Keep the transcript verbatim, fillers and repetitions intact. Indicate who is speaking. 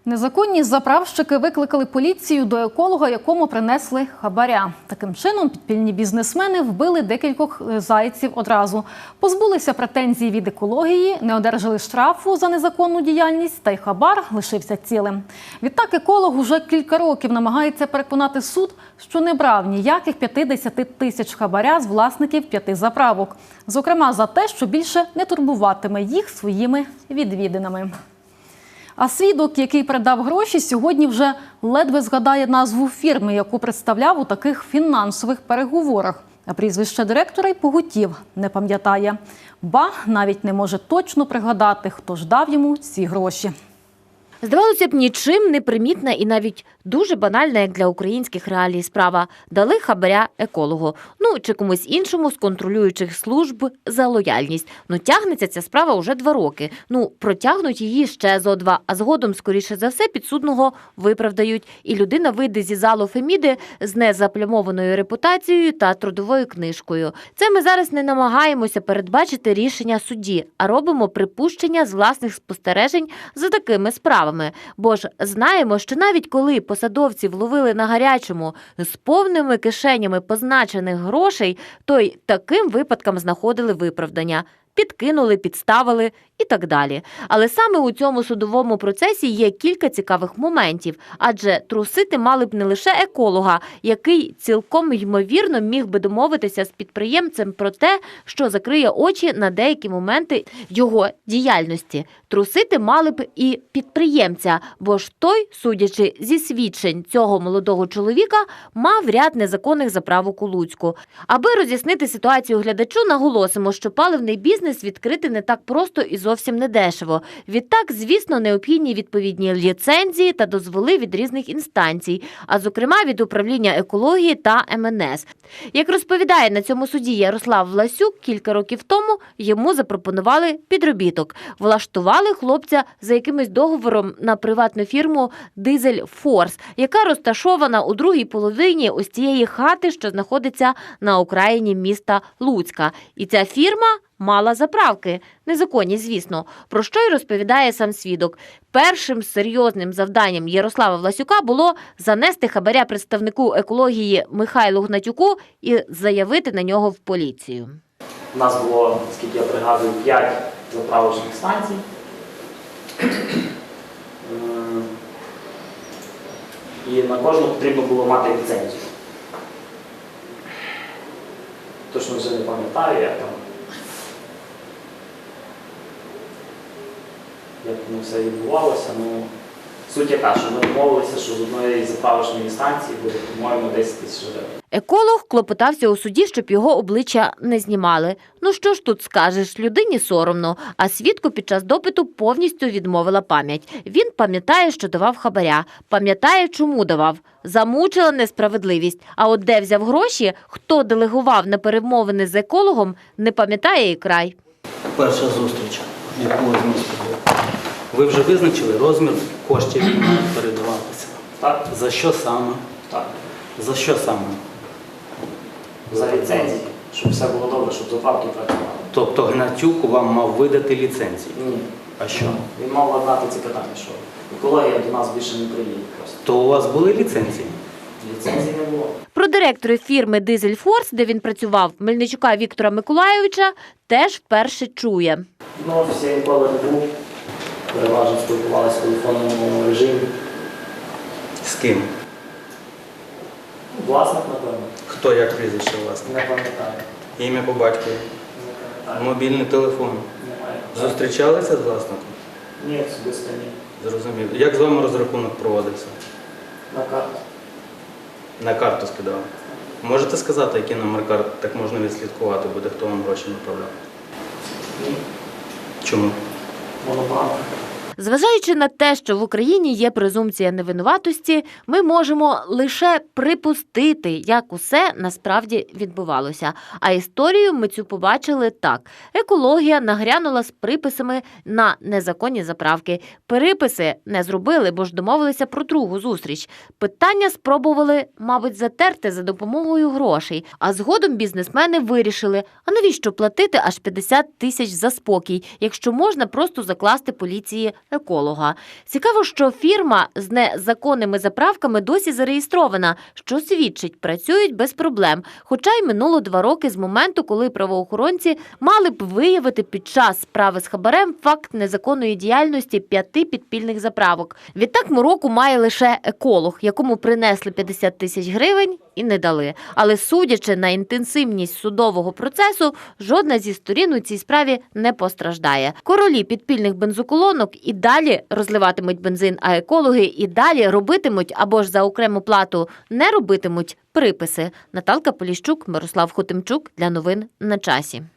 Speaker 1: Незаконні заправщики викликали поліцію до еколога, якому принесли хабаря. Таким чином, підпільні бізнесмени вбили декількох зайців одразу. Позбулися претензій від екології, не одержали штрафу за незаконну діяльність, та й хабар лишився цілим. Відтак еколог уже кілька років намагається переконати суд, що не брав ніяких п'ятдесят тисяч хабаря з власників п'яти заправок. Зокрема, за те, що більше не турбуватиме їх своїми відвідинами. А свідок, який передав гроші, сьогодні вже ледве згадає назву фірми, яку представляв у таких фінансових переговорах. А прізвище директора й поготів не пам'ятає. Ба, навіть не може точно пригадати, хто ж дав йому ці гроші.
Speaker 2: Здавалося б, нічим не примітна і навіть дуже банальна, як для українських реалій, справа. Дали хабаря екологу. Ну, чи комусь іншому з контролюючих служб за лояльність. Ну, тягнеться ця справа уже два роки. Ну, протягнуть її ще зо два, а згодом, скоріше за все, підсудного виправдають. І людина вийде зі залу Феміди з незаплямованою репутацією та трудовою книжкою. Це ми зараз не намагаємося передбачити рішення судді, а робимо припущення з власних спостережень за такими справами. Бо ж знаємо, що навіть коли посадовців ловили на гарячому з повними кишенями позначених грошей, то й таким випадкам знаходили виправдання. Підкинули, підставили і так далі. Але саме у цьому судовому процесі є кілька цікавих моментів, адже трусити мали б не лише еколога, який цілком ймовірно міг би домовитися з підприємцем про те, що закриє очі на деякі моменти його діяльності. Трусити мали б і підприємця, бо ж той, судячи зі свідчень цього молодого чоловіка, мав ряд незаконних заправок у Луцьку. Аби роз'яснити ситуацію глядачу, наголосимо, що паливний бізнес відкрити не так просто і зовсім не дешево. Відтак, звісно, необхідні відповідні ліцензії та дозволи від різних інстанцій, а зокрема від управління екології та ем ен ес. Як розповідає на цьому суді Ярослав Власюк, кілька років тому йому запропонували підробіток. Влаштували хлопця за якимось договором на приватну фірму «Дизель Форс», яка розташована у другій половині ось цієї хати, що знаходиться на окраїні міста Луцька. І ця фірма мала заправки. Незаконні, звісно. Про що й розповідає сам свідок. Першим серйозним завданням Ярослава Власюка було занести хабаря представнику екології Михайлу Гнатюку і заявити на нього в поліцію.
Speaker 3: У нас було, скільки я пригадую, п'ять заправочних станцій. І на кожну потрібно було мати ліцензію. Точно вже не пам'ятаю, як там. Як воно все відбувалося. Ну, суть яка, що ми домовилися, що з одної заправочної станції буде, по-моєму, десять тисяч гривень.
Speaker 2: Еколог клопотався у суді, щоб його обличчя не знімали. Ну що ж тут скажеш, людині соромно, а свідку під час допиту повністю відмовила пам'ять. Він пам'ятає, що давав хабаря, пам'ятає, чому давав. Замучила несправедливість. А от де взяв гроші, хто делегував на перемовини з екологом, не пам'ятає і край.
Speaker 4: Перша зустріч, яку ви з містом. Ви вже визначили розмір коштів, які мають передаватися?
Speaker 3: Так.
Speaker 4: За що саме?
Speaker 3: Так.
Speaker 4: За що саме?
Speaker 3: За ліцензії, щоб все було добре, щоб заправки працювали.
Speaker 4: Тобто Гнатюк вам мав видати ліцензії?
Speaker 3: Ні.
Speaker 4: А що?
Speaker 3: Він мав ладнати ці питання, що екологія до нас більше не приїде просто.
Speaker 4: То у вас були ліцензії?
Speaker 3: Ліцензії не було.
Speaker 2: Про директора фірми «Дизель Форс», де він працював, Мельничука Віктора Миколайовича, теж вперше чує.
Speaker 3: Ну, офісі я ніколи не був. Переважно спілкувалися в телефонному режимі.
Speaker 4: З ким?
Speaker 3: Власник, напевно.
Speaker 4: Хто, як прізвище власне?
Speaker 3: Не пам'ятаю.
Speaker 4: Ім'я по батькові?
Speaker 3: Не пам'ятаю.
Speaker 4: Мобільний телефон?
Speaker 3: Немає.
Speaker 4: Зустрічалися з власником?
Speaker 3: Ні, особисто ні.
Speaker 4: Зрозуміло. Як з вами розрахунок проводився?
Speaker 3: На карту.
Speaker 4: На карту скидали? Можете сказати, який номер карт, так можна відслідкувати буде, хто вам гроші направляв?
Speaker 3: Ні.
Speaker 4: Чому?
Speaker 3: Монобанк.
Speaker 2: Зважаючи на те, що в Україні є презумпція невинуватості, ми можемо лише припустити, як усе насправді відбувалося. А історію ми цю побачили так. Екологія нагрянула з приписами на незаконні заправки. Переписи не зробили, бо ж домовилися про другу зустріч. Питання спробували, мабуть, затерти за допомогою грошей. А згодом бізнесмени вирішили, а навіщо платити аж п'ятдесят тисяч за спокій, якщо можна просто закласти поліції еколога. Цікаво, що фірма з незаконними заправками досі зареєстрована, що свідчить, працюють без проблем. Хоча й минуло два роки з моменту, коли правоохоронці мали б виявити під час справи з хабарем факт незаконної діяльності п'яти підпільних заправок. Відтак Мороку має лише еколог, якому принесли п'ятдесят тисяч гривень і не дали. Але судячи на інтенсивність судового процесу, жодна зі сторін у цій справі не постраждає. Королі підпільних бензоколонок і далі розливатимуть бензин, а екологи і далі робитимуть або ж за окрему плату не робитимуть приписи. Наталка Поліщук, Мирослав Хотимчук для новин на часі.